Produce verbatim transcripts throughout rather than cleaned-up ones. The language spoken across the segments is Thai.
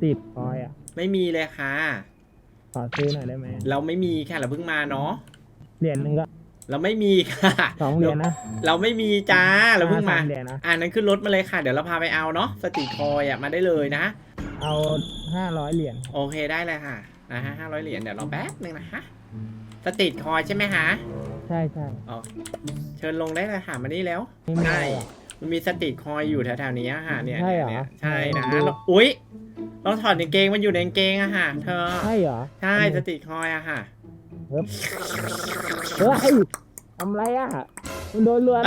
ตรีทคอยอ่ะไม่มีเลยค่ะขอซื้อหน่อยได้ไหมเราไม่มีค่ะเราเพิ่งมาเนาะเหรียญหนึ่งก็เราไม่มีค่ะสองเหรียญนะเราไม่มีจ้าเราเพิ่งมาสามเหรียญนะอ่านั้นขึ้นรถมาเลยค่ะเดี๋ยวเราพาไปเอาเนาะสตรีทคอยอ่ะมาได้เลยนะเอาห้าร้อยเหรียญโอเคได้เลยค่ะนะฮะห้าร้อยเหรียญเดี๋ยวรอแป๊บนึงนะฮะสตรีทคอยใช่ไหมฮะใช่ใช่อ๋อเชิญลงได้เลยค่ะมานี่แล้วไม่มีใช่อะไรหรอมันมีสตรีทคอยอยู่แถวๆนี้อะค่ะเนี่ยใช่เหรอนี่ยใช่นะดูแล้วอุ๊ยเราถอดกางเกงมันอยู่ในกางเกงอะค่ะเธอใช่เหรอใช่สตรีทคอยอะค่ะเฮ้ยเฮ้ยทำไรอ่ะมันโดนเรือนะ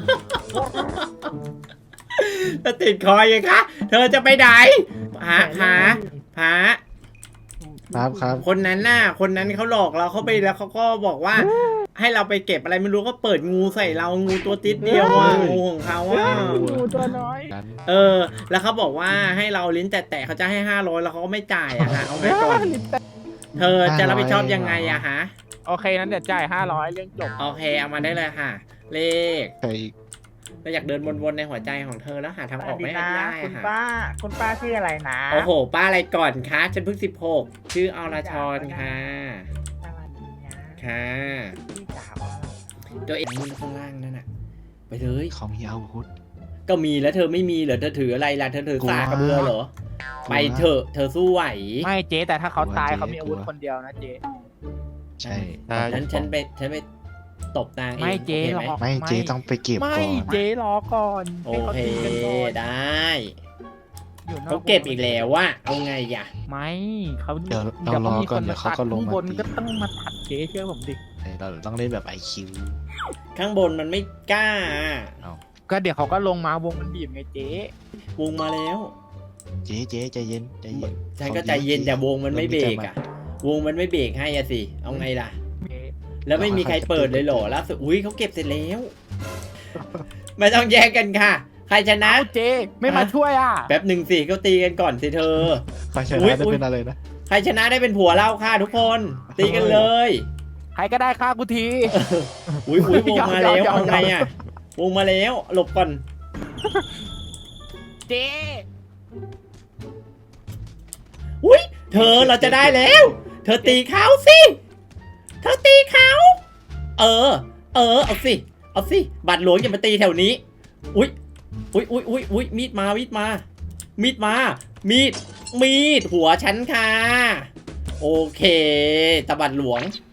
สตรีทคอยยังคะเธอจะไปไหนผาผาผาครับครับคนนั้นน่ะคนนั้นเขาหลอกเราเข้าไปแล้วเขาก็บอกว่า ให้เราไปเก็บอะไรไม่รู้ก็เปิดงูใส่เรางูตัวติดเดียวอ่ะงูของเขาอ่ะงูตัวน้อยกันเออ แล้วเขาบอกว่าให้เราลิ้นแตะๆเขาจะให้ห้าร้อยแล้วเขาก็ไม่จ่ายอะฮะเอาไปก่อนเธอจะรับผิดชอบยังไงอะฮะโอเคนั้นเดี๋ยวจ่ายห้าร้อยเรื่องจบโอเคเอามาได้เลยค่ะ เลขใครอีกเราอยากเดินวนๆในหัวใจของเธอแล้วหาทางออกไม่ได้คุณค่ะป้า คุณป้าชื่ออะไรนะโอ้โห ป้าอะไรก่อนคะฉันเพิ่งสิบหกชื่ออรชรค่ะสวัสดีนะค่ะพี่สาวอะไรตัวเองมือข้างล่างนั่นน่ะไปเลยเขามีอาวุธก็มีแล้วเธอไม่มีเหรอเธอถืออะไรล่ะเธอถือสากกระเบือเหรอไปเถอะเธอสู้ไหวไม่เจ๊แต่ถ้าเขาตายกลัวเจ๊เขามีอาวุธกลัวคนเดียวนะเจ๊ใช่ฉันฉันไปฉันไปตบนางเองไม่เจ๊โอหรคอกไม่เจ๊ต้องไปเก็บไม่ก่อนเจ๊รอก่อนโอให้เคตีกันก่อนได้อยู่นเขาเก็บอีกแล้วว่าเอาไงอ่ะไม่เขาเดี๋ยวเรารอก่อนเดี๋ยวเขาก็ลงข้างมาบนตีก็ต้องมาตัดเจ๊เชื่อผมดิเราต้องเล่นแบบไอคิวข้างบนมันไม่กล้าก็เดี๋ยวเขาก็ลงมาวงมันบีบไงเจ๊วงมาแล้วเจ๊เจ๊ใจเย็นใจเย็นฉันก็ใจเย็นแต่วงมันไม่เบรกอ่ะ วงมันไม่เบรกให้อะสิเอาไงล่ะเจ๊แล้วไม่มีใครเปิดเลยเหรอล่าสุดอุ้ยเขาเก็บเสร็จแล้ว ไม่ต้องแย่งกันค่ะ ใครชนะเอ้าเจ๊ไม่มาช่วยอ่ะแป๊บหนึ่งสิเขาตีกันก่อนสิเธอใครชอุ๊ยนะได้อุ๊ยเป็นอะไรนะใครชนะได้เป็นผัวเราค่ะทุกคน ตีกันเลยใครก็ได้ฆ่ากูทีอุ้ยอุ้ยวงมาแล้วยอมยอมเอาไงอ่ะวงมาแล้วหลบก่อนเจ๊อุ้ยเธอเราจะได้แล้ว เธอตีเขาสิเธอตีเขาเออ เออเอาสิเอาสิบัตรหลวงอย่ามาตีแถวนี้ อุ้ยอุ้ยอุ้ยอุ้ยอุ้ยมีดมามีดมา มีดมา มีด มีดหัวฉันค่ะ โอเคตะบัดหลวง